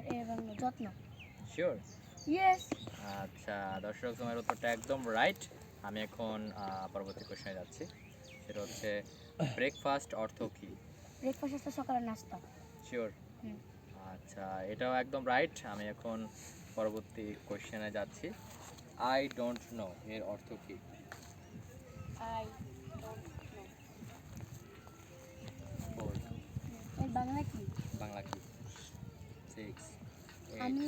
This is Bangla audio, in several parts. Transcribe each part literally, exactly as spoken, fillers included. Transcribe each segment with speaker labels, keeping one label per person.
Speaker 1: এর বাংলা যত্ন।
Speaker 2: শিওর?
Speaker 1: ইয়েস।
Speaker 2: আচ্ছা দর্শক, তোমার উত্তরটা একদম রাইট। আমি এখন আহ, পরবর্তী কোশ্চেনে যাচ্ছি। সেটা হচ্ছে ব্রেকফাস্ট অর্থ কী?
Speaker 1: ব্রেকফাস্ট হচ্ছে সকালের নাস্তা।
Speaker 2: শিওর?
Speaker 1: হুম।
Speaker 2: আচ্ছা, এটাও একদম রাইট। আমি এখন পরবর্তী কোশ্চেনে যাচ্ছি। আই ডোন্ট নো এর অর্থ কী?
Speaker 1: I don't know.
Speaker 2: ফোর।
Speaker 1: এর বাংলা কি?
Speaker 2: বাংলা কি? সিক্স।
Speaker 1: আমি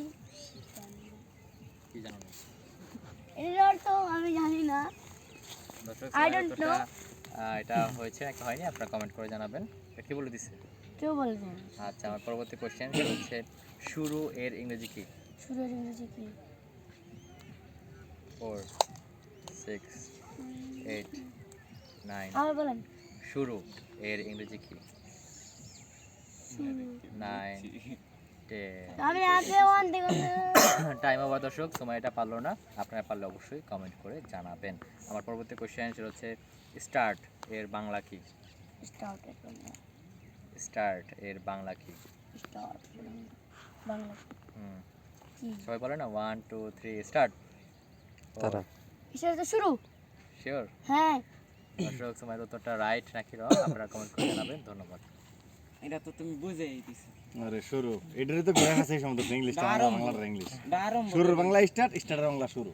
Speaker 2: কি জানো না?
Speaker 1: এর অর্থ আমি জানি না।
Speaker 2: দর্শক
Speaker 1: I
Speaker 2: সময়ের
Speaker 1: don't
Speaker 2: উত্তরটা আহ, এটা হয়েছে নাকি হয়নি আপনারা কমেন্ট করে জানাবেন। এটা কি বলে দিছে?
Speaker 1: কেউ বলবেন।
Speaker 2: আচ্ছা, আমার পরবর্তী কোশ্চেন সেটা হচ্ছে শুরু এর ইংরেজি কি?
Speaker 1: শুরুর ইংরেজি কি?
Speaker 2: Four, six, eight, nine.
Speaker 1: আবার বলেন।
Speaker 2: শুরু এর ইংরেজি কি?
Speaker 1: শুরু।
Speaker 2: Nine, ten.
Speaker 1: আমি আগে ওয়ান থেকে
Speaker 2: টাইম ওভার দর্শক, সময় এটা পারলো না। আপনারা পারলে অবশ্যই কমেন্ট করে জানাবেন। আমার পরবর্তী কোশ্চেন সেটা হচ্ছে স্টার্ট এর বাংলা কি?
Speaker 1: স্টার্ট এর বাংলা।
Speaker 2: স্টার্ট এর বাংলা কি?
Speaker 1: স্টার্ট বাংলা
Speaker 2: হুম,
Speaker 1: কি?
Speaker 2: সবাই বলে না, ওয়ান টু থ্রি স্টার্ট।
Speaker 3: তারা
Speaker 1: কিসের তো শুরু?
Speaker 2: শিওর?
Speaker 1: হ্যাঁ।
Speaker 2: দর্শক সময়ের উত্তরটা রাইট নাকি রং আপনারা কমেন্ট করে জানাবেন। ধন্যবাদ।
Speaker 4: এটা তো তুমি বুঝেই দিছো।
Speaker 3: আরে শুরু এটারে তো ঘোরা আছে সম্বন্ধ ইংলিশটা
Speaker 4: বারম।
Speaker 3: বাংলার ইংলিশ
Speaker 4: বারম
Speaker 3: শুরুর বাংলা স্টার্ট স্টার্টের বাংলা শুরু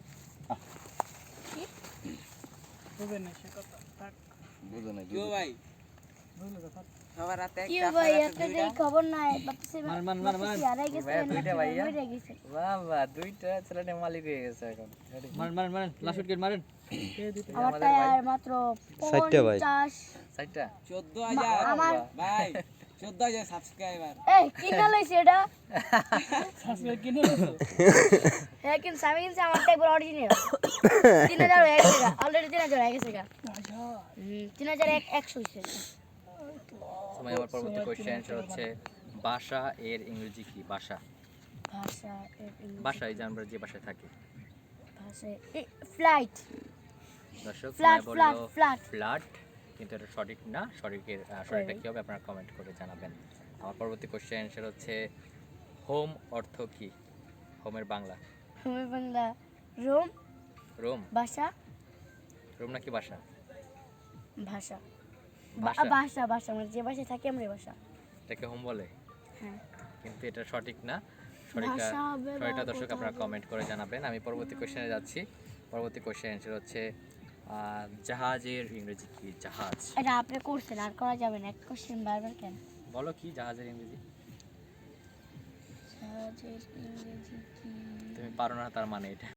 Speaker 4: বুঝে না সে কথা। থাক।
Speaker 3: বুঝো না
Speaker 4: কিও ভাই বুঝলে তো থাক। সবার রাতে
Speaker 1: কি
Speaker 4: একটা
Speaker 1: ভাই
Speaker 4: আপনার
Speaker 1: একটা
Speaker 4: রাতে
Speaker 1: যে
Speaker 4: দুইটা।
Speaker 1: খবর নাই বাপসে
Speaker 2: মান, মান, মান, মান।
Speaker 1: হারাই গেছে
Speaker 2: ভাইয়া, দুইটা ভাইয়া?
Speaker 1: মরে গেছে।
Speaker 2: বাবা, দুইটা ছেলে মালিক হয়ে গেছে এখন।
Speaker 5: মারেন মারেন মারেন লাস্ট উইকেট মারেন।
Speaker 1: আমারটা আর মাত্র
Speaker 3: ষাটটা ভাই।
Speaker 1: পঞ্চাশ।
Speaker 2: সাইটটা
Speaker 4: চোদ্দ হাজার
Speaker 1: আমার-
Speaker 4: ভাই চোদ্দ হাজার সাবস্ক্রাইবার।
Speaker 1: এই কিনা লইছে এটা?
Speaker 5: সাবস্ক্রাইব কিনে নিছো?
Speaker 1: হ্যাঁ কিন্তু আমি কিন্তু আমারটা একবার অরিজিনাল তিন হাজার হয়ে গেছে গা অলরেডি তিন হাজার হয়ে গেছে গা হুম, তিন হাজার এক একশো হয়েছে।
Speaker 2: সময় আমার পরবর্তী কোশ্চেন সেটা হচ্ছে বাসা এর ইংরেজি কি? বাসা।
Speaker 1: ভাষা এর ইংরেজি
Speaker 2: বাসা এই যে আমরা যে বাসায় থাকি।
Speaker 1: ভাষা ফ্লাইট
Speaker 2: দর্শক
Speaker 1: ফ্ল্যাট
Speaker 2: সময়
Speaker 1: ফ্ল্যাট
Speaker 2: বললো
Speaker 1: ফ্ল্যাট
Speaker 2: ফ্ল্যাট, কিন্তু এটা সঠিক না। সঠিকের আহ, সঠিকটা কী হবে আপনারা কমেন্ট করে জানাবেন। আমার পরবর্তী কোশ্চেন সেটা হচ্ছে হোম অর্থ কি? হোমের বাংলা।
Speaker 1: আমি বাংলা রোম
Speaker 2: রোম?
Speaker 1: ভাষা
Speaker 2: রোম নাকি বাসা?
Speaker 1: ভাষা
Speaker 2: বাসা?
Speaker 1: বা- ভাষা ভাষা মানে যে ভাষায় থাকি আমরা এই ভাষা।
Speaker 2: এটাকে হোম বলে,
Speaker 1: হ্যাঁ
Speaker 2: কিন্তু এটা সঠিক না। সঠিকটা
Speaker 1: ভাষা হবে বা
Speaker 2: সঠিকটা দর্শক
Speaker 1: কথা
Speaker 2: আপনারা
Speaker 1: হবে।
Speaker 2: কমেন্ট করে জানাবেন। আমি পরবর্তী কোশ্চেনে যাচ্ছি। পরবর্তী কোশ্চেন সেটা হচ্ছে আহ, জাহাজের ইংরেজি কি? জাহাজ।
Speaker 1: এটা আপনি করছেন আর করা যাবে না এক কোশ্চেন বারবার কেন?
Speaker 2: বলো কি জাহাজের ইংরেজি?
Speaker 1: জাহাজের ইংরেজি কি?
Speaker 2: তুমি পারো না তার মানে এটা।